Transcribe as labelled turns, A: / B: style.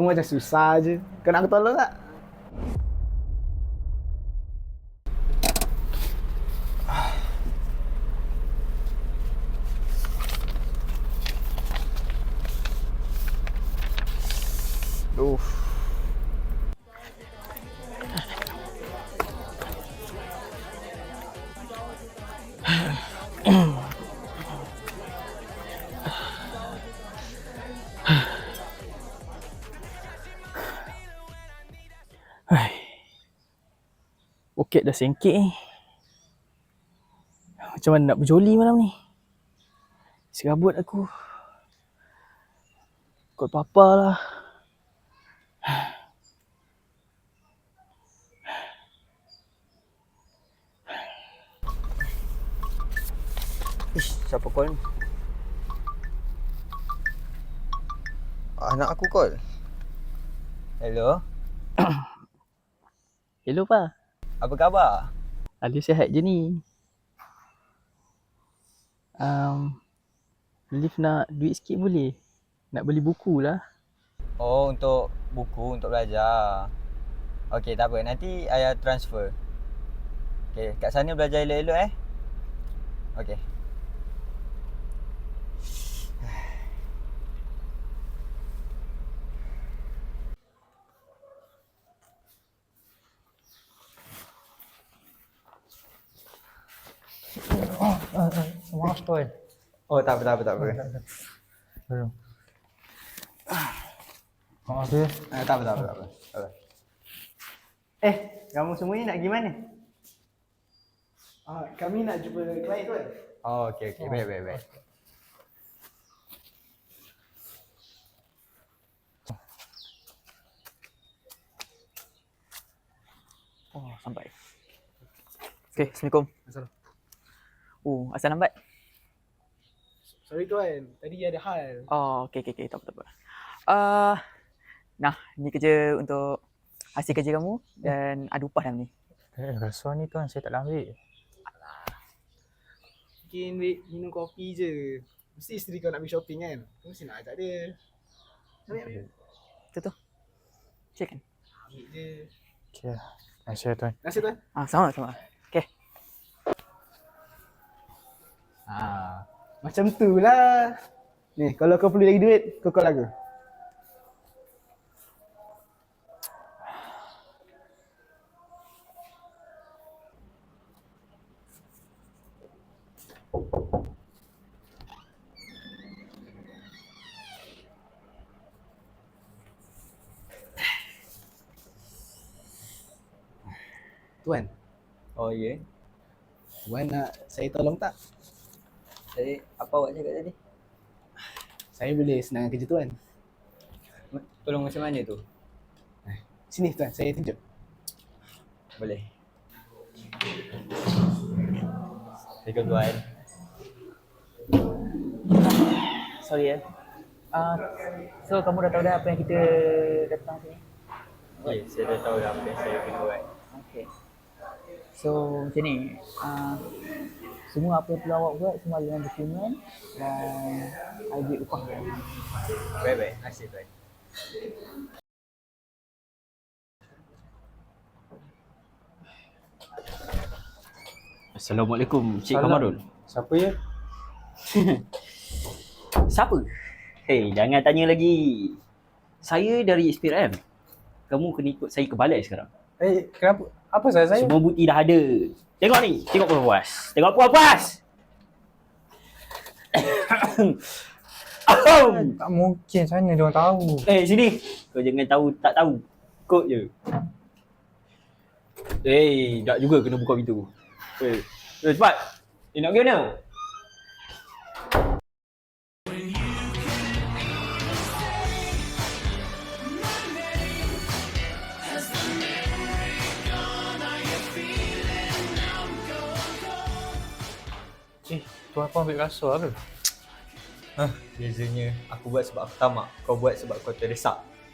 A: macam susah je. Kau nak aku tolong tak?
B: Duh. Poket dah sengkit ni. Macam mana nak berjoli malam ni? Serabut aku. Kot papa lah. Ish, siapa call ni?
C: Anak aku call. Hello.
B: Hello pa.
C: Apa khabar?
B: Alif sihat je ni. Alif nak duit sikit boleh? Nak beli buku lah.
C: Oh, untuk buku, untuk belajar. Okey, tak apa. Nanti ayah transfer. Okey, kat sana belajar elok-elok Okey.
D: Maaf tuan.
C: Oh, tak apa.
D: Maaf ya.
C: Tak apa. Kamu semua ni nak pergi mana?
A: Kami nak jumpa klien tuan.
C: Oh, okey. Baik.
B: Oh, sampai. Okay, Assalamualaikum.
A: Assalamualaikum.
B: Oh, asal lambat?
A: Sorry tuan, tadi ada hal.
B: Oh, okay. Tak apa. Nah, ni kerja untuk hasil kerja kamu dan ada upah dalam ni.
D: Rasuah ni tuan saya tak nak ambil.
A: Mungkin minum kopi je. Mesti isteri kau nak pergi shopping kan? Kau mesti nak ajak dia. Ambil.
B: Tu. Cek kan?
A: Ambil je.
D: Okey. Nasihat tuan.
A: Terima kasih tuan.
B: Sama. Okay.
A: Macam tu lah. Ni, kalau kau perlu lagi duit, kau call aku. Tuan,
C: Oh, ya.
A: tuan nak saya tolong tak?
C: Jadi, apa awak cakap tadi?
A: Saya boleh senangkan kerja tuan.
C: Tolong macam mana tu?
A: Sini tuan, saya tunjuk.
C: Boleh. Assalamualaikum tuan.
B: Sorry ya. So kamu dah tahu dah apa yang kita datang sini?
C: Okey, saya dah tahu dah apa yang saya kena buat.
B: Okay. So macam ni, semua apa yang perlu awak buat semua ada dalam dokumen dan ada duit upah.
C: Baik. Terima kasih tuan.
E: Assalamualaikum, Cik
D: Salam.
E: Kamarul.
D: Siapa ya?
E: Siapa? Hei, jangan tanya lagi. Saya dari SPRM. Kamu kena ikut saya ke balai sekarang.
D: Kenapa? Apa salah saya?
E: Semua bukti dah ada. Tengok ni, tengok puas. Tengok puas.
D: Tak mungkin sana dia orang tahu.
E: Sini. Kau jangan tahu tak tahu. Kod je. Tak juga kena buka pintu. Cepat. Nak pergi mana?
D: Tuan apa ambil rasuah ke?
C: Bezanya aku buat sebab aku tamak, kau buat sebab kau terdesak.